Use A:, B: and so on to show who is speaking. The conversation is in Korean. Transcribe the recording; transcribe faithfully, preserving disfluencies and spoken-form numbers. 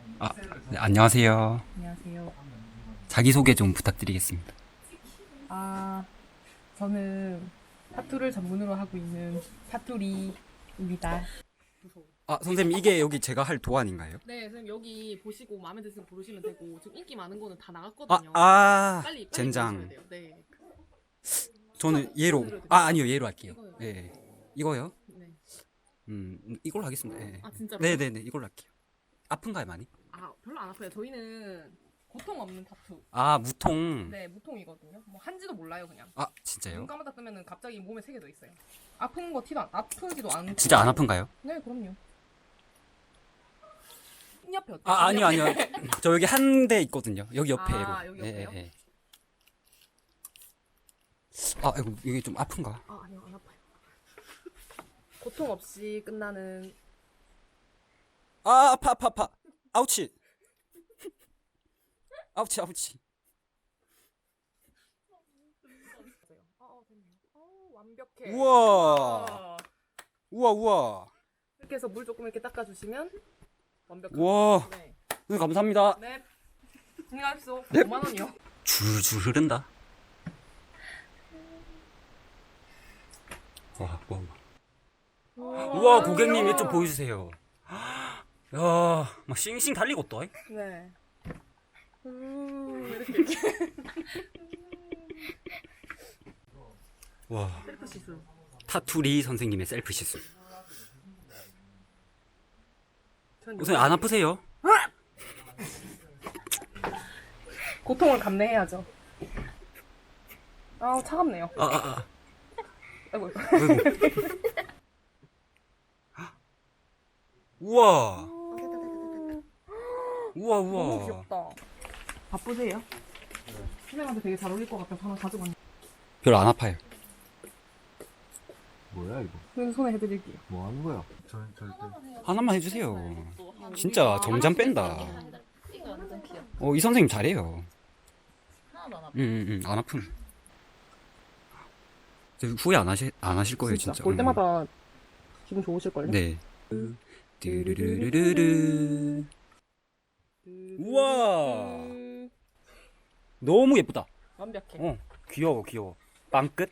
A: 아, 네, 안녕하세요.
B: 안녕하세요.
A: 자기소개 좀 부탁드리겠습니다.
B: 아, 저는 타투를 전문으로 하고 있는 타투리입니다. 무서워.
A: 아, 선생님, 이게 여기 제가 할 도안인가요?
B: 네, 선생님 여기 보시고 마음에 드시면 부르시면 되고 지금 인기 많은 거는 다
A: 아,
B: 나갔거든요.
A: 아,
B: 빨리 빨리
A: 젠장.
B: 보셔야 돼요. 네.
A: 저는 얘로.
B: 드려도
A: 아, 아니요, 얘로 할게요.
B: 이거요.
A: 예. 이거요?
B: 네.
A: 음, 음, 이걸로 하겠습니다. 예.
B: 아 진짜로?
A: 네네네, 이걸로 할게요. 아픈가요, 많이?
B: 아 별로 안 아파요. 저희는 고통 없는 타투.
A: 아, 무통.
B: 네, 무통이거든요. 뭐 한지도 몰라요 그냥.
A: 아,
B: 눈
A: 진짜요?
B: 감았다 뜨면은 갑자기 몸에 세 개 더 있어요. 아픈 거 티도 안, 아프지도 않고.
A: 진짜 안 아픈가요?
B: 네, 그럼요. 이 옆에 어때요?
A: 아,
B: 이
A: 아니요,
B: 옆에.
A: 아니요. 저 여기 한 대 있거든요. 여기 옆에로.
B: 아, 여기 옆에요?
A: 예, 예. 아, 이거, 이게 좀 아픈가?
B: 아, 아니요, 안 아파요. 고통 없이 끝나는.
A: 아, 아파, 아파, 아파. 아우치. 아우치, 아우치.
B: 아, 어, 됐네요. 어, 완벽해.
A: 우와.
B: 아,
A: 우와, 우와.
B: 이렇게 해서 물 조금 이렇게 닦아주시면 완벽한.
A: 우와.
B: 네.
A: 네, 감사합니다.
B: 네. 안녕하십시오.
A: 네.
B: 오만 원이요.
A: 줄줄 흐른다. 와, 와, 와. 우와, 고객님, 이쪽 보여주세요. 야, 막 싱싱 달리고 또.
B: 네. 음, 이렇게 이렇게.
A: 와,
B: 셀프 시술.
A: 타투리 선생님의 셀프 시술.
B: 전
A: 우선 안 아프세요?
B: 고통을 감내해야죠. 아, 차갑네요.
A: 아, 아, 아.
B: 아이고.
A: 아이고. 우와, 우와,
B: 너무
A: 우와.
B: 귀엽다. 바쁘세요? 선생님한테 되게 잘 어울릴 것 같아서 하나 가지고 왔는데.
A: 별로 안 아파요.
C: 뭐야 이거?
B: 선생님 손에 해드릴게요.
C: 뭐 하는 거야? 절 절대.
A: 하나만 해주세요. 진짜 점점 뺀다.
D: 이거 완전 귀엽다.
A: 어, 이 선생님 잘해요.
D: 하나도 안 아파.
A: 응, 응, 응, 안 아픔. 저 후회 안 하실, 안 하실 거예요, 진짜.
B: 볼
A: 응.
B: 때마다 기분 좋으실걸요?
A: 네. 뚜루루루루루. 우와. 너무 예쁘다.
B: 완벽해.
A: 어, 귀여워, 귀여워. 빵끝?